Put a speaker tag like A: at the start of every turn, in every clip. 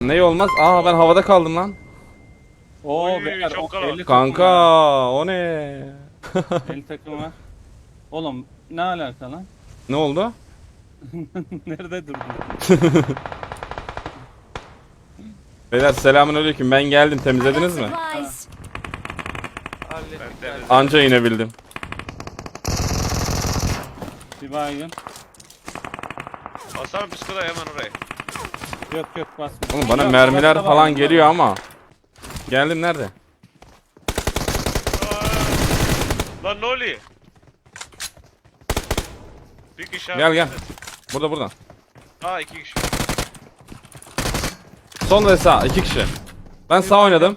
A: Ne olmaz? Aa ben havada kaldım lan.
B: Oo
C: Oy,
B: beyler,
C: çok
B: o
C: kalabalık.
B: 50
A: Kanka o ne?
B: 50 takım var. Oğlum ne alaka lan?
A: Ne oldu?
B: Nerede durdun?
A: Beyler selamünaleyküm. Ben geldim. Temizlediniz mi?
D: Supplies.
C: Ben temizledim.
A: Anca inebildim.
B: Bir baygın.
C: Basar psikoda hemen oraya.
B: Yok yok basma.
A: Oğlum bana
B: Yok,
A: mermiler
B: başka
A: falan
B: baygın
A: geliyor
B: var.
A: ama. Geldim nerede?
C: Lan ne oluyor? Bir kişi
A: Gel gel. Burada.
C: Aa 2 kişi.
A: Sol ve sağ. 2 kişi. Ben sağ oynadım.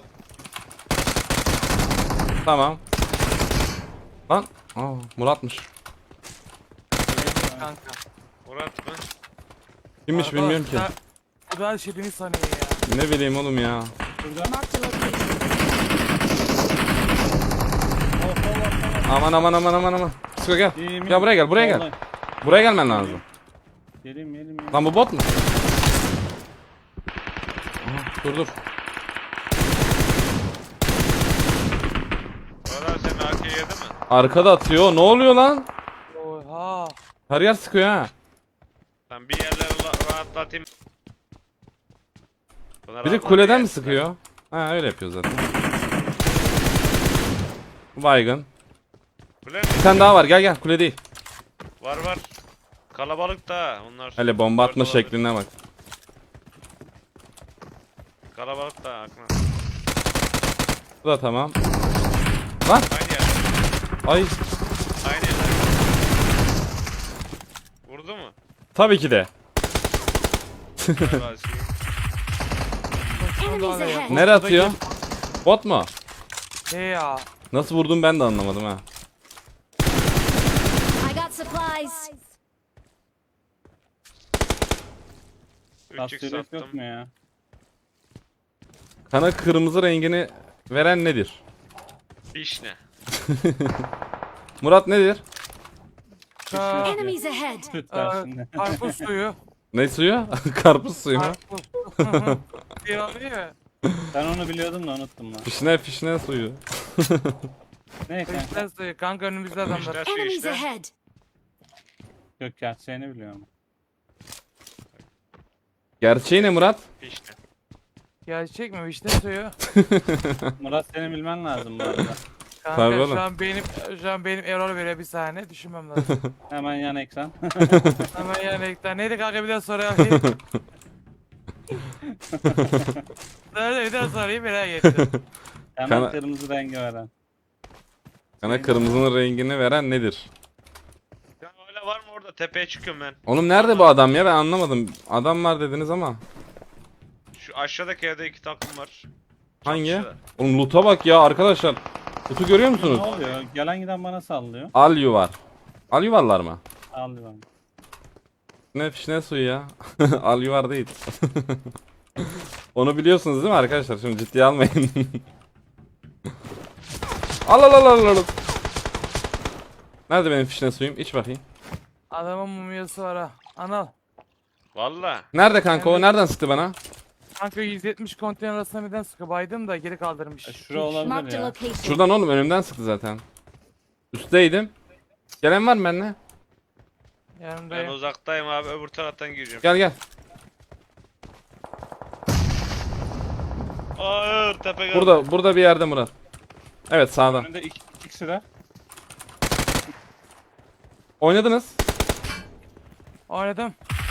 A: Tamam. Lan. Aa, Murat'mış.
E: Kanka.
C: Murat mı?
A: Kimmiş bilmiyorum ki.
E: Bu da her şey beni sanıyor ya.
A: Ne bileyim oğlum ya.
B: Şurada.
D: Marked a location.
A: Aman. Sıkı gel.
B: İyiyim,
A: Gel buraya gel.
B: Vallahi.
A: Buraya gelmen lazım.
B: Geleyim.
A: Lan bu bot mu? Aha, dur.
C: Murat sen AK yedi mi?
A: Arkada atıyor. Ne oluyor lan?
E: Oha.
A: Her yer sıkıyor ha.
C: Ben bir yerleri rahatlatayım. Buna
A: Biri
C: rahatlat
A: kuleden
C: ya.
A: mi sıkıyor? Ha öyle yapıyor zaten. Baygın.
C: Kule mi?
A: Bir tane daha var. Gel kule değil.
C: Var. Kalabalık da onlar.
A: Hele bomba atma
C: Dört olabilir.
A: şekline bak.
C: Kalabalık da aklına.
A: Bu da tamam.
C: Aynı yer.
A: Ay
C: Aynı yer. Vurdu mu?
A: tabii ki de.
C: Galiba şey.
D: Enemies ahead.
A: Nereye atıyor? Bot mu?
E: He ya.
A: Nasıl vurdum ben de anlamadım ha.
D: I got supplies.
C: 3x
B: Tasvirlik yok
C: sattım.
B: mu ya?
A: Kana kırmızı rengini veren nedir?
C: Vişne.
A: Murat nedir?
E: Ka
D: Enemies ahead.
B: Süt ver şimdi.
E: karpuz suyu.
A: Ne suyu? Karpuz suyu mu?
E: Karpuz. Bir oluyor ya.
B: Ben onu biliyordum da unuttum lan.
A: Fişne suyu.
B: Ne kanka?
E: Kışlar suyu. Kanka önümüzde adamlar.
C: Vişne suyu
D: Enemies
C: işte.
D: ahead.
B: Yok gerçeğini biliyorum.
A: Gerçeği ne Murat?
C: Vişne.
E: Gerçek mi? Vişne suyu.
B: Murat senin bilmen lazım bu arada.
A: Tabii
E: Kanka
A: oğlum.
E: şu an benim error veriyor bir saniye. Düşünmem lazım.
B: Hemen yan ekran.
E: Hemen yani ekran. Neydi kanka bir daha sorayım. Nerede bir daha sorayım merak ettim.
B: Hemen
A: Kana-
B: kırmızı rengi veren.
A: Kana kırmızının rengini veren nedir?
C: Ya öyle var mı orada? Tepeye çıkıyorum ben.
A: Oğlum nerede bu adam ya ben anlamadım. Adam var dediniz ama.
C: Şu aşağıdaki evde 2 takım var.
A: Hangi?
C: Çatışıyorlar.
A: Oğlum loot'a bak ya arkadaşlar. Loot'u görüyor musunuz?
B: Ne oluyor? Gelen giden bana sallıyor.
A: Alyu var. Alyu varlar mı?
B: Al bana.
A: Ne fişne suyu ya. Alyu var değil. Onu biliyorsunuz değil mi arkadaşlar? Şimdi ciddiye almayın. Al. Nerede benim fişne suyum? İç bakayım.
E: Adamın mumyası var ha. Anal.
C: Valla.
A: Nerede kanka o? Nereden sıktı bana?
E: Kanka 170 konteyner arasında birden sıkı baydım da geri kaldırmış.
B: Şura olabilir
D: Marked a
B: ya.
D: location.
A: Şuradan oğlum önümden sıktı zaten. Üstteydim. Gelen var mı benimle?
C: Ben
E: Yanındayım.
C: uzaktayım abi, öbür taraftan gireceğim.
A: Gel.
C: Hayır, tepe geldi.
A: Burada bir yerde Murat. Evet sağda.
B: Önünde iki kişi de.
A: Oynadınız.
E: Oynadım.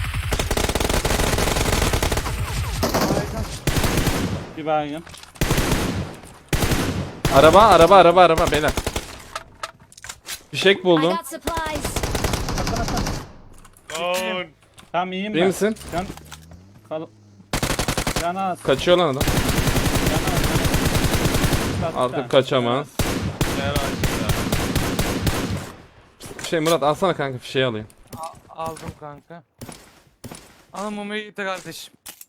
B: Bir baygın.
A: Araba beyler. Fişek
D: I
A: buldum.
D: got supplies.
C: Lan.
B: Tam iyiyim
A: İyi
B: ben.
A: misin?
B: Can... Can az.
A: Kaçıyor lan adam.
B: Can az.
A: Artık kaçamaz.
C: Gel aşağıda.
A: Murat alsana kanka fişeği alayım.
E: Aldım kanka. Alın mumyayı gitti kardeşim.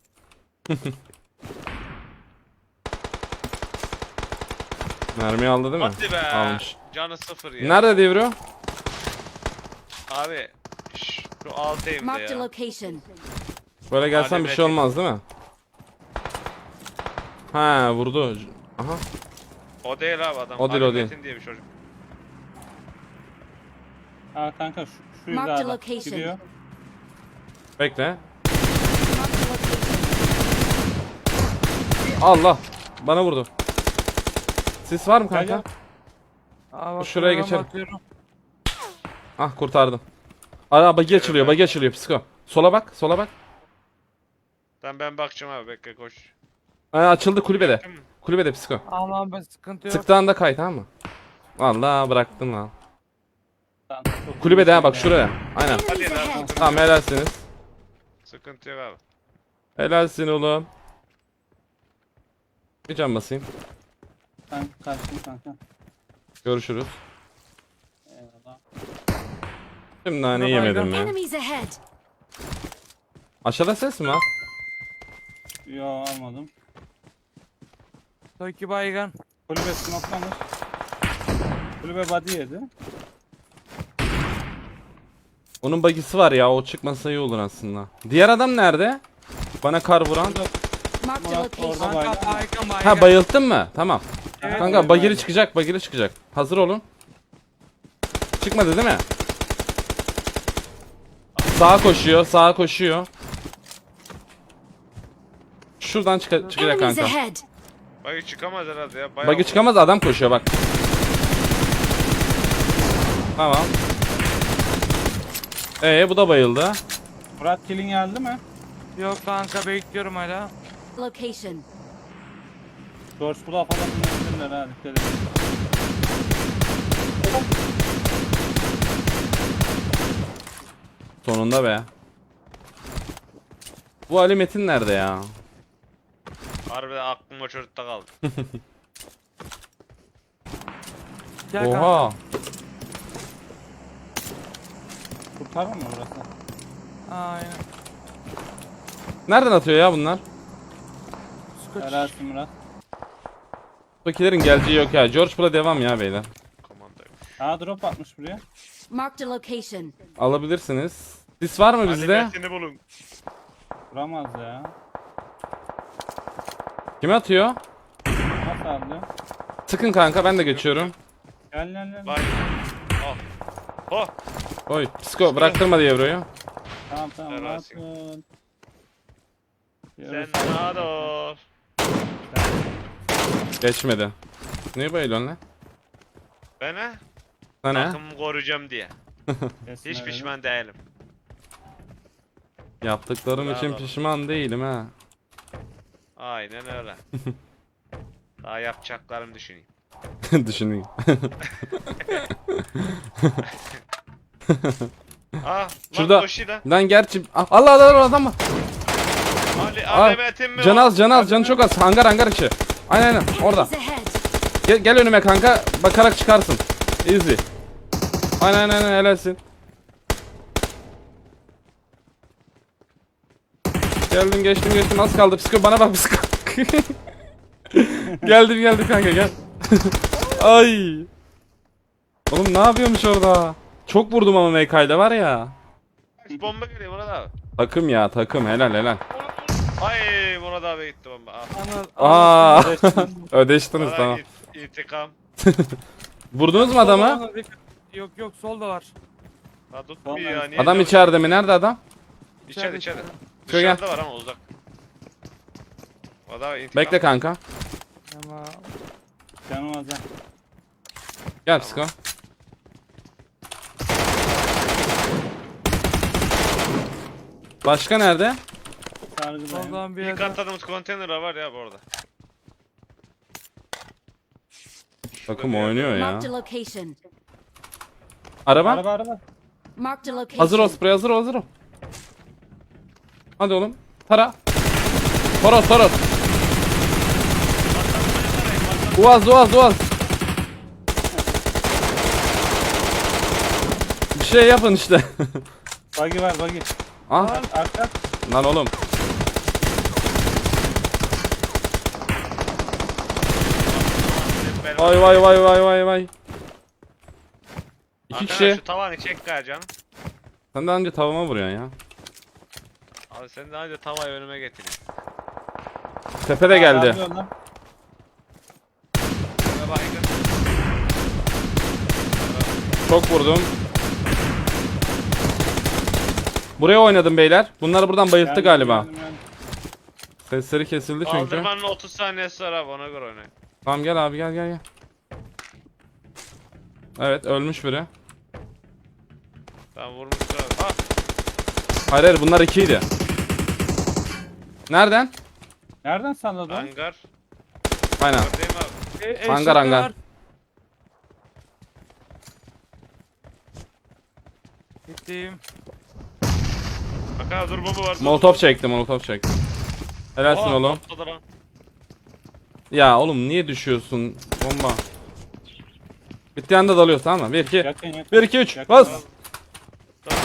A: Mermi aldı değil mi?
C: Hadi be.
A: Almış.
C: Canı 0 ya.
A: Nerede devriyor?
C: Abi. Şu alt evde
D: Marked a
C: ya.
D: location.
A: Böyle gelsen bir şey olmaz değil mi? Ha vurdu. Aha.
C: O değil abi adam.
A: O değil, o
C: Ali
A: değil.
C: Metin diye bir çocuk.
B: Ha kanka şu
D: Mark the
B: hizada
D: location.
B: gidiyor.
A: Bekle.
D: Marked a location.
A: Allah. Bana vurdu. Sis var mı
B: Gel,
A: kanka?
E: Aa, bak,
A: Şuraya
E: ben
A: geçelim.
E: bakıyorum.
A: Ah kurtardım. Ara bagi açılıyor, bagi açılıyor psiko. Sola bak, sola bak.
C: Tamam ben bakacağım abi bekle koş.
A: Açıldı kulübede.
C: Tamam.
A: Kulübede psiko.
E: Aman ben sıkıntı yok.
A: Sıktığında kay tamam mı? Allah bıraktım lan.
B: Lan, çok
A: Kulübede ha
B: iyi
A: bak
B: ya.
A: şuraya. Aynen.
C: Hadi
D: Enemies
C: lan.
D: ahead.
A: Tamam helalsiniz.
C: Sıkıntı yok abi.
A: Helalsin oğlum. Bir can basayım.
B: Ben kaçtım kanka.
A: Görüşürüz.
B: Eyvallah.
A: Şimdi nane
E: Baba,
A: yemedim ya.
D: Enemies ahead.
A: Aşağıda ses mi var?
B: Yo almadım.
E: Toki baygın.
B: Kulübe smoklamış. Kulübe body yedi.
A: Onun bagisi var ya, o çıkmasa iyi olur aslında. Diğer adam nerede? Bana kar vuran.
D: Marked a
B: Murat orada
D: location.
E: Kanka baygın baygın.
A: Ha bayılttın mı? Tamam.
B: Evet,
A: Kanka
B: evet,
A: bagili
B: evet.
A: çıkacak, bagili çıkacak. Hazır olun. Çıkmadı değil mi? Sağa koşuyor, sağa koşuyor. Şuradan çıkacak
D: Enemies
A: kanka.
D: ahead.
C: Bagi çıkamaz herhalde ya. Bayağı
A: Bagi çıkamaz, adam koşuyor bak. Tamam. Bu da bayıldı.
B: Murat killing geldi mi?
E: Yok kanka bekliyorum hala.
D: Location.
B: George Bull'a falan dinleyebilirler ha dikkat edin.
A: Sonunda be. Bu Ali Metin nerede ya?
C: harbiden aklım o çocukta kaldı.
E: Gel kanka.
A: Oha.
B: Kurtarır mı burası?
E: Aynen.
A: Nereden atıyor ya bunlar?
E: Skoç.
B: Helalsin Murat.
A: Bakilerin geleceği yok ya. George Bull'a devam ya beyler.
C: Komandayım.
B: Ha drop atmış buraya.
D: Marked a location.
A: Alabilirsiniz. Sis var mı
C: Ali
A: bizde?
C: Metin'i bulun.
B: Vuramaz ya.
A: Kime atıyor?
B: Nasıl aldı?
A: Sıkın kanka, ben de geçiyorum.
B: Gel gel gel.
C: Bak. Al. Oh.
A: Oy psiko bıraktırma diye Ebru'yu.
B: Tamam tamam
C: Helalsin.
B: rahatın.
C: Sen rahat ol.
A: Geçmedi. Niye bayılıyorsun lan?
C: Ben he?
A: Sana ne?
C: Takımımı koruyacağım diye. Hiç pişman değilim.
A: Yaptıklarım için
C: Bravo.
A: pişman değilim ha.
C: Aynen öyle. Daha yapacaklarımı düşüneyim.
A: Düşüneyim.
C: Ah,
A: Şurada.
C: lan koşu lan.
A: Lan gerçi... Ah, Allah Allah Allah adam var.
C: Ali,
A: Aa,
C: Ali Metin mi
A: Can
C: o?
A: az, can az, canı çok az. Hangar içi. Aynen orada.
D: Enemies ahead.
A: Gel önüme kanka, bakarak çıkarsın. Easy. Aynen helalsin. Geldim geçtim az kaldı. Psiko bana bak psiko. geldim kanka gel. Ay. Oğlum ne yapıyormuş orada? Çok vurdum ama MK'yla var ya.
C: Bomba geliyor Murat abi.
A: Takım ya takım, helal.
C: Ay Murat abi gitti bomba. Ah.
A: Aa. Ödeştiniz
C: Bana
A: tamam.
C: İntikam.
A: Vurdunuz mu adamı?
E: Yok solda var.
C: Ha tutmuyor ya. Niye
A: Adam
C: canım-
A: içeride mi? Nerede adam?
C: İçeride.
E: İçeride.
A: Şöyle gel.
C: Dışarıda var ama uzak. O da intikam.
A: Bekle kanka.
E: Ama
B: Canım az ha.
A: Gel psiko. Başka nerede?
B: Sargıdayım.
E: soldan bir
C: İlk
E: yerden.
C: atladığımız konteyner var ya bu arada.
A: Takım oynuyor ya.
D: Marked a location.
A: Araba.
B: Araba.
D: Marked a location.
A: Hazır ol sprey, hazır ol. Hadi oğlum. Tara. Toros. Uaz. Bir şey yapın işte.
B: Buggy var buggy.
A: Ah
B: Arka.
A: lan oğlum. Vay. İki
C: Arkadaş,
A: kişi.
C: Şu tavanı çek gari canım.
A: Sen daha önce tavama vuruyorsun ya.
C: Abi sen daha önce tavayı önüme getirin.
A: Tepe de geldi.
B: Yardım lan.
C: Buna baygın.
A: Çok vurdum. Buraya oynadım beyler. Bunları buradan bayılttı
B: Geldim,
A: galiba.
B: geldim, geldim.
A: Sesleri kesildi çünkü.
C: Kaldırmanın 30 saniyesi var abi, ona göre oynayın.
A: Tamam gel abi gel. Evet ölmüş biri.
C: Tamam vurmuşlar abi. Ah!
A: Hayır bunlar ikiydi. Nereden?
B: Nereden salladın?
C: Hangar.
A: Aynen.
C: Değil mi abi?
A: Hangar, hangar.
E: var. Gittim.
C: Bak abi dur, bomba var.
A: Molotof çektim. Helalsin
C: Oha,
A: oğlum.
C: patladı lan.
A: Ya oğlum niye düşüyorsun? Bomba. Bittiği anda dalıyoruz tamam mı? 1 2
B: Yakın yakın.
A: 1 2 3
B: Yakın.
A: bas.
C: Tamam.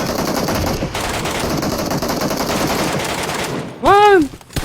A: Lan!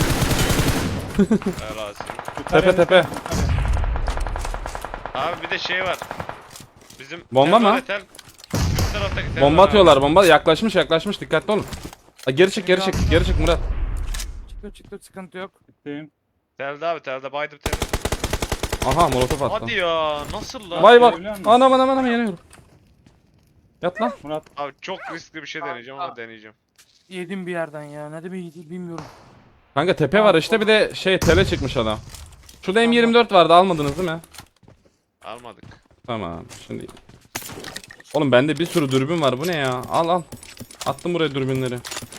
C: Helal olsun.
B: Yukarıya,
A: Tepe.
B: yukarıya.
C: Abi bir de şey var. Bizim
A: Bomba
C: tel var
A: mı?
C: ya, tel. Üst taraftaki tel
A: Bomba
C: var abi.
A: atıyorlar bomba. Yaklaşmış dikkatli olun. Ha, geri çık Murat.
E: Çıktı sıkıntı yok.
B: Gittim.
C: Telde abi, telde baydım telde.
A: Aha molotof attı.
C: Hadi ya, nasıl lan?
A: Vay bak.
B: Görebiliyor musun?
A: Anam yanıyorum. Yat lan.
B: Murat
C: Abi çok riskli bir şey deneyeceğim ama deneyeceğim.
E: Yedim bir yerden ya. Ne demek yedi bilmiyorum.
A: Kanka tepe var işte bir de tele çıkmış adam. Şurada M24 vardı almadınız değil mi?
C: Almadık.
A: Tamam şimdi. Oğlum bende bir sürü dürbün var bu ne ya? Al. Attım buraya dürbünleri.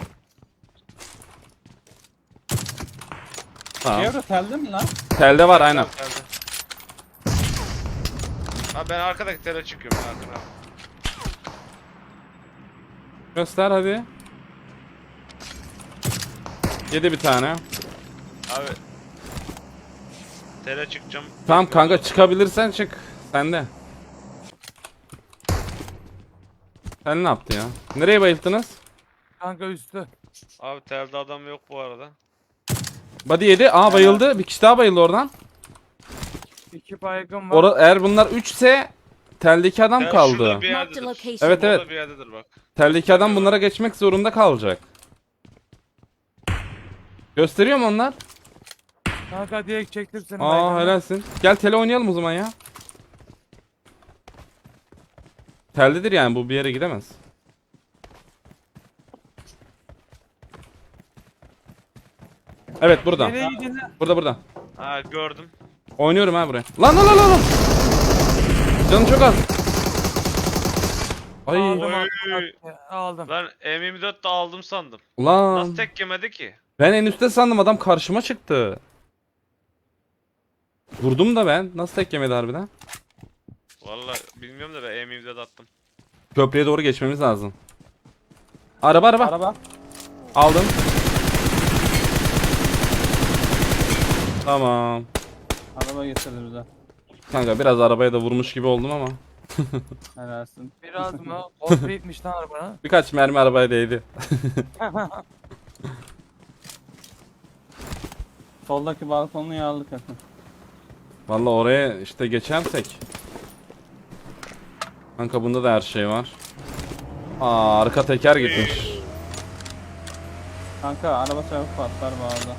A: Tamam.
B: Çevre telde mi lan?
A: Telde var aynen.
C: Telde. Abi ben arkadaki tele çıkıyorum arkana.
A: Göster hadi. Yedi bir tane.
C: Abi. Tele çıkacağım.
A: Tamam kanka çıkabilirsen çık. Sende. Sen ne yaptın ya? Nereye bayılttınız?
E: Kanka üstü.
C: Abi telde adam yok bu arada.
A: Body yedi. Aa bayıldı. Bir kişi daha bayıldı oradan.
E: 2 baygın var.
A: Eğer bunlar 3 ise teldeki adam
C: Tel
A: kaldı.
C: şurada bir
D: Marked a
C: yerdedir.
D: location.
A: Evet evet.
C: Burada bir yerdedir bak.
A: Teldeki adam bunlara geçmek zorunda kalacak. Gösteriyor mu onlar?
E: Kanka direkt çektim seni.
A: Aa
E: baygınla.
A: helalsin. Gel tele oynayalım o zaman ya. Teldedir yani bu bir yere gidemez. Evet burada.
E: Nereye gidiyorsun lan?
A: Burada.
C: Ha gördüm.
A: Oynuyorum ha buraya. Lan. Canım çok az. Ay.
E: Aldım,
C: Oy.
E: aldım.
C: Lan M24 de aldım sandım.
A: Ulan.
C: Nasıl tek yemedi ki?
A: Ben en üstte sandım adam karşıma çıktı. Vurdum da ben. Nasıl tek yemedi harbiden?
C: Vallahi bilmiyorum da ben M24 attım.
A: Köprüye doğru geçmemiz lazım. Araba.
B: Araba.
A: Aldım. Tamam.
B: Araba getirdi bize.
A: Kanka biraz arabaya da vurmuş gibi oldum ama.
B: Helalsin.
E: Biraz mı? Bot bitmiş lan arabana.
A: Birkaç mermi arabaya değdi.
B: Soldaki balkonunu yağlık yakın.
A: Vallahi oraya işte geçersek. Kanka bunda da her şey var. Aa arka teker gitmiş.
B: Kanka araba çabuk patlar bu arada.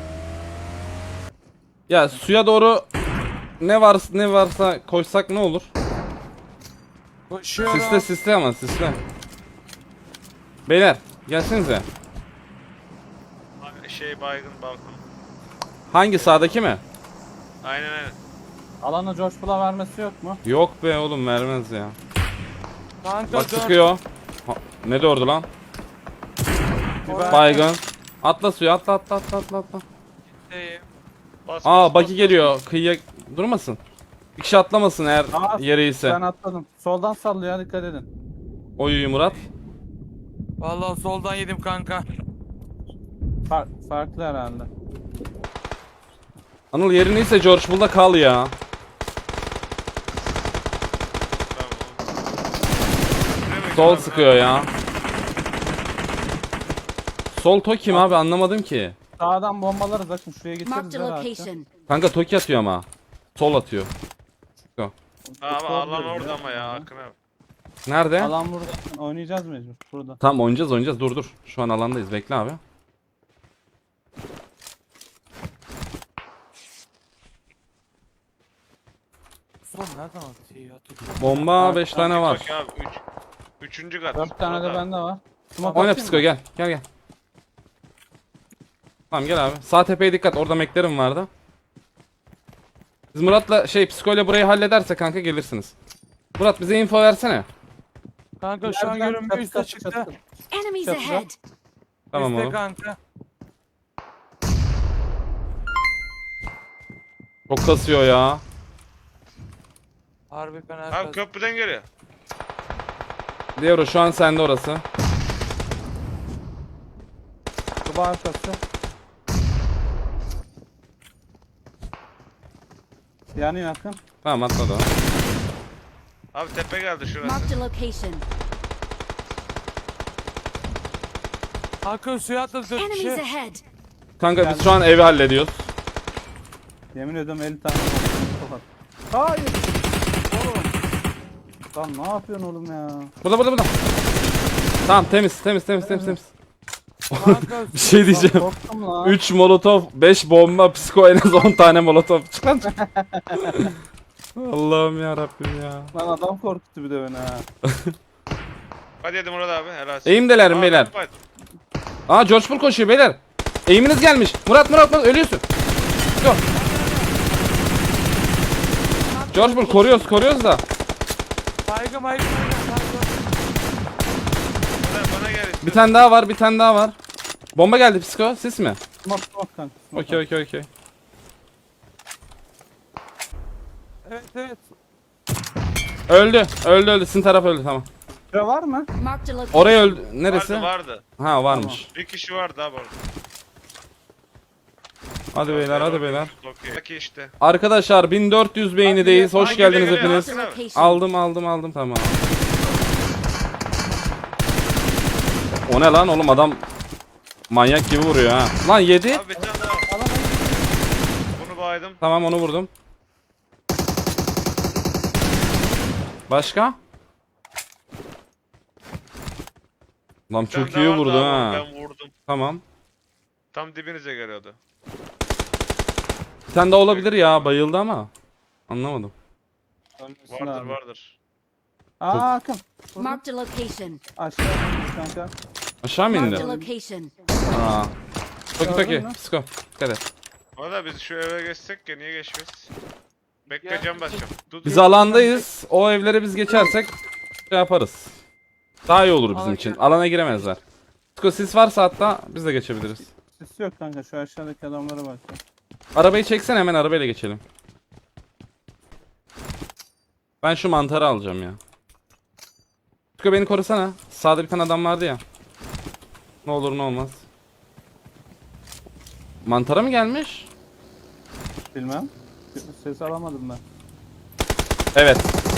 A: Ya suya doğru ne varsa koysak ne olur?
E: Koşuyorum.
A: Sisle ama sisle. Beyler gelsenize.
C: Şey baygın balkon.
A: Hangi sağdaki mi?
C: Aynen.
B: Alana coşkula vermesi yok mu?
A: Yok be oğlum vermez ya.
E: Kanka
A: Bak
E: dön.
A: sıkıyor. Ha, ne dördü lan?
B: Biber-
A: Baygın. Atla suya atla.
E: Gideyim.
C: Bas,
A: Aa
C: bas,
A: buggy
C: bas,
A: geliyor. Kıyıya durmasın. Bir kişi atlamasın eğer
B: Aa,
A: yere ise.
B: Ben atladım. Soldan sallıyor dikkat edin.
A: Oy Murat.
E: Vallahi soldan yedim kanka.
B: Farklı herhalde.
A: Anıl yerin ise George Bull'da kal ya.
C: Tamam.
A: Sol sıkıyor ya. Sol Toki mi abi anlamadım ki.
B: Sağdan bombalarız bakın şuraya
D: Marked
B: getiririz
D: a
B: herhalde.
D: location.
A: Kanka Toki atıyor ama. Sol atıyor.
C: Abi alan orada ama ya Akın abi.
A: Nerede?
B: Alan burada. Oynayacağız mecbur burada.
A: Tamam oynayacağız. Dur. Şu an alandayız. Bekle abi.
E: Bomba nereden attı ya?
A: Bomba 5 tane var.
C: Bak abi 3. kat.
B: 4 tane de
C: Murat abi.
B: bende var. Smoke
A: Oyna
B: atayım
A: psiko
B: mı?
A: gel. Gel gel. Tamam gel abi. Sağ tepeye dikkat. Orada meklerim vardı. Biz Murat'la psikoyla burayı hallederse kanka gelirsiniz. Murat bize info versene.
E: Kanka şu an
B: Nereden?
E: görünmüyor
B: Çatı,
E: üstte
B: çatı,
E: çıktı.
B: çatı.
D: Enemies
B: Çatıda.
D: ahead.
A: Tamam
E: Üstte
A: oğlum.
E: kanka.
A: Çok kasıyor ya.
E: Harbi fena.
C: Abi
E: kas-
C: köprüden geliyor.
A: Diyor şu an sende orası.
B: Kuba arkası. Yani yakın.
A: Tamam atladı o.
C: Abi tepe geldi şurası.
D: Marked a location.
E: Hakan suya atladı 4
D: Enemies
E: kişi.
D: ahead.
A: Kanka biz şu an evi hallediyoruz.
B: Yemin ediyorum 50 tane var. Hayır. Oğlum. Lan ne yapıyorsun oğlum ya?
A: Burada. Tamam temiz.
E: Kanka
A: Bir şey diyeceğim.
B: Korktum lan.
A: 3 molotof, 5 bomba, psiko en az 10 tane molotof. Çık lan. Allah'ım ya Rabbim ya.
B: Lan adam korkuttu bir de beni ha.
C: Hadi yedim Murat abi helal olsun.
A: Eğimdeler
C: Aa,
A: beyler.
C: bak,
A: Aa George Bull koşuyor beyler. Eğiminiz gelmiş. Murat ölüyorsun. Yok. George Bull koruyoruz da.
E: Baygın.
C: Bana gel.
A: Bir tane daha var. Bomba geldi psiko. Siz mi?
B: Smoke kanka. smoke.
A: Okey.
E: Evet.
A: Öldü. Sizin taraf öldü tamam.
B: Şura var mı?
D: Marked a location.
A: Oraya öldü. Neresi?
C: Vardı.
A: Ha varmış.
C: Bir kişi vardı abi orada.
A: Hadi beyler.
C: Okey işte.
A: Arkadaşlar 1400 beğenideyiz. Hoş
C: Hadi
A: geldiniz
C: geliyor,
A: hepiniz.
C: hadi.
D: Location.
A: Tamam. O ne lan oğlum adam manyak gibi vuruyor ha. Lan yedi.
C: Abi bir tane daha. Bunu baydım.
A: Tamam onu vurdum. Başka? Lan
C: Bir tane
A: çok
C: daha
A: iyi
C: vardı
A: vurdu
C: abi,
A: ha.
C: Ben vurdum.
A: Tamam.
C: Tam dibinize geliyordu.
A: Bir tane daha olabilir ya bayıldı ama. Anlamadım.
B: Ölmesin
C: Vardır
B: abi.
C: vardır.
B: Aa Akın.
D: Marked a location.
B: Aşağı inmiş kanka.
A: Aşağı mı
D: Marked
A: indi?
D: a location.
A: Aa.
B: Gördün
A: Toki
B: mü?
A: psiko. Dikkat et.
C: Valla biz şu eve geçsek ya niye geçmeyiz? Bekle cam basacağım. Dur.
A: Biz alandayız. O evlere biz geçersek yaparız. Daha iyi olur bizim
E: Alana
A: için.
E: gir.
A: Alana giremezler. Psiko sis varsa hatta biz de geçebiliriz.
B: Sis yok kanka şu aşağıdaki adamlara bak. ya.
A: Arabayı çeksen hemen arabayla geçelim. Ben şu mantarı alacağım ya. Psiko beni korusana. Sağda bir tane adam vardı ya. Ne olur ne olmaz. Mantara mı gelmiş?
B: Bilmem. Ses alamadım ben.
A: Evet.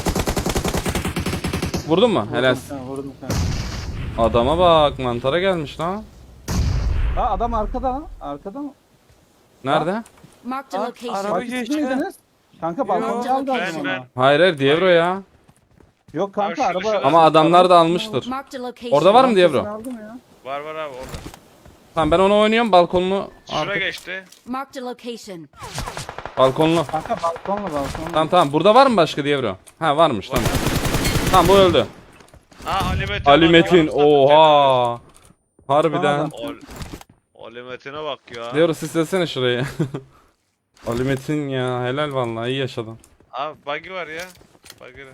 A: Vurdun mu? Helal.
B: Vurdum kanka, vurdum kanka.
A: Adama bak mantara gelmiş lan.
B: Aa adam arkada lan. Arkada mı?
A: Nerede?
D: Marked a
E: Bak,
D: location.
E: araba-
B: Bak,
E: geçti.
B: miydiniz? Kanka balkonda
D: Yok,
B: aldı adam
C: ben-
B: onu.
A: Hayır hayır Dievro ya.
B: Yok kanka
C: Abi şurada,
B: araba.
C: şurada.
A: Ama adamlar da almıştır.
D: Marked a location.
A: Orada var mı
B: Sesini
A: Dievro?
B: aldım ya.
C: Var abi orada.
A: Tamam ben onu oynuyorum balkonlu.
C: Şura
A: Artık.
C: geçti.
D: Marked a location.
A: Balkonlu.
B: Kanka balkonla.
A: Tamam burada var mı başka Dievro? Ha varmış tamam. Tamam bu öldü.
C: Aa Ali Metin.
A: Ali
C: bak,
A: Metin
C: yalnız zaten
A: oha. Harbiden.
C: Ol- Ali Metin'e bak ya.
A: Dievro sislesene şurayı. Ali Metin ya helal vallahi iyi yaşadın.
C: Abi buggy var ya. Buggy.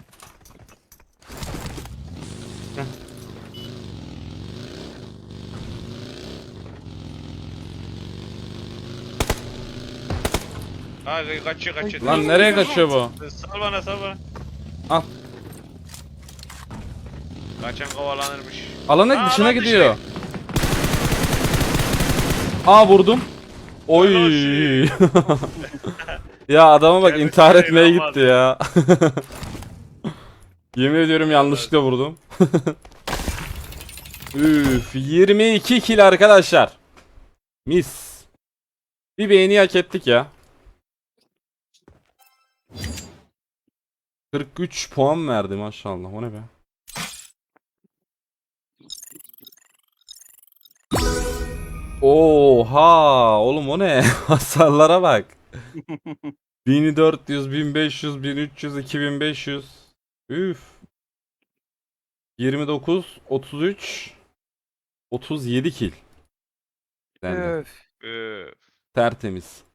C: Ha kaçıyor.
A: Lan nereye kaçıyor bu?
C: Sal bana.
A: Al.
C: Kaçan kovalanırmış.
A: Alanın
C: Aa,
A: dışına
C: lan
A: gidiyor. Aa vurdum. Oy. Ya adama bak
C: Kendisi
A: intihar
C: de
A: etmeye
C: inanmaz
A: gitti ya. Yemin ediyorum yanlışlıkla vurdum. Üf 22 kill arkadaşlar. Mis. Bir beğeni hak ettik ya. 43 puan verdi maşallah. O ne be? Oha oğlum o ne? Hasarlara bak. 1400, 1500, 1300, 2500. Üf. 29, 33, 37 kill. Benden.
E: Öf.
C: Üf.
A: Tertemiz.